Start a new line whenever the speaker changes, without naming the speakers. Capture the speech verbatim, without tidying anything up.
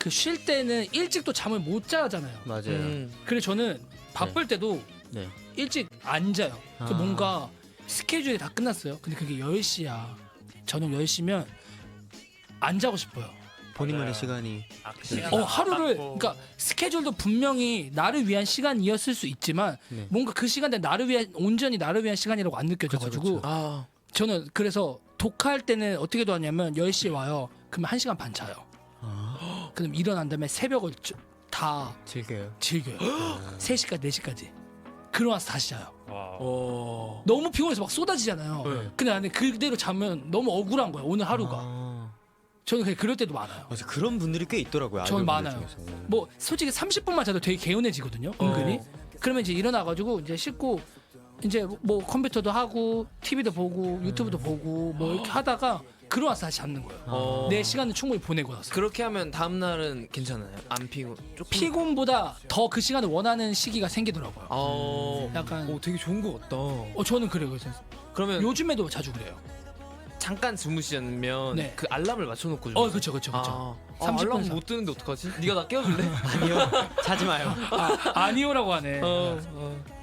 그 쉴 때는 일찍 또 잠을 못 자잖아요.
맞아요.
음.
그래서 저는 바쁠 때도
네.
일찍 안 자요. 그
아.
뭔가 스케줄이 다 끝났어요. 근데 그게 열 시야. 저녁 열 시면 안 자고 싶어요.
본인만의
맞아요.
시간이
아, 그 시간
어 하루를
아깝고.
그러니까 스케줄도 분명히 나를 위한 시간이었을 수 있지만
네.
뭔가 그 시간대 나를 위한 온전히 나를 위한 시간이라고 안 느껴져가지고
그쵸, 그쵸.
아.
저는 그래서 독할 때는 어떻게 도하냐면 열 시에 와요. 그러면 한 시간 반 자요.
아,
그럼 일어난 다음에 새벽을 저- 다
즐겨요.
즐겨요. 세 시까지 네 시까지. 그러고 나서 다시 자요.
와.
어.
너무 피곤해서 막 쏟아지잖아요.
네.
근데 나는 그대로 자면 너무 억울한 거야. 오늘 하루가.
아,
저는 그냥 그럴 때도 많아요.
맞아, 그런 분들이 꽤 있더라고요.
저는
아이돌분들
많아요.
중에서.
뭐 솔직히 삼십 분만 자도 되게 개운해지거든요. 은근히.
어.
그러면 이제 일어나가지고 이제 씻고 이제 뭐 컴퓨터도 하고 티비도 보고 유튜브도 보고 뭐 이렇게 하다가 그러고 나서 다시 잡는 거예요.
어.
내 시간을 충분히 보내고 나서.
그렇게 하면 다음 날은 괜찮아요. 안 피고 조금
피곤보다 더 그 시간을 원하는 시기가 생기더라고요.
어.
약간
오, 되게 좋은 것 같다.
어 저는 그래요. 그래서
그러면
요즘에도 자주 그래요.
잠깐 주무시면
네.
그 알람을 맞춰놓고 주무세요.
어 그렇죠 그렇죠 그렇죠.
아, 아,
삼십 분
알람
이상.
못 뜨는데 어떡하지? 네가 나 깨워줄래?
아니요, 자지 마요.
아, 아니오라고 하네.
어, 어.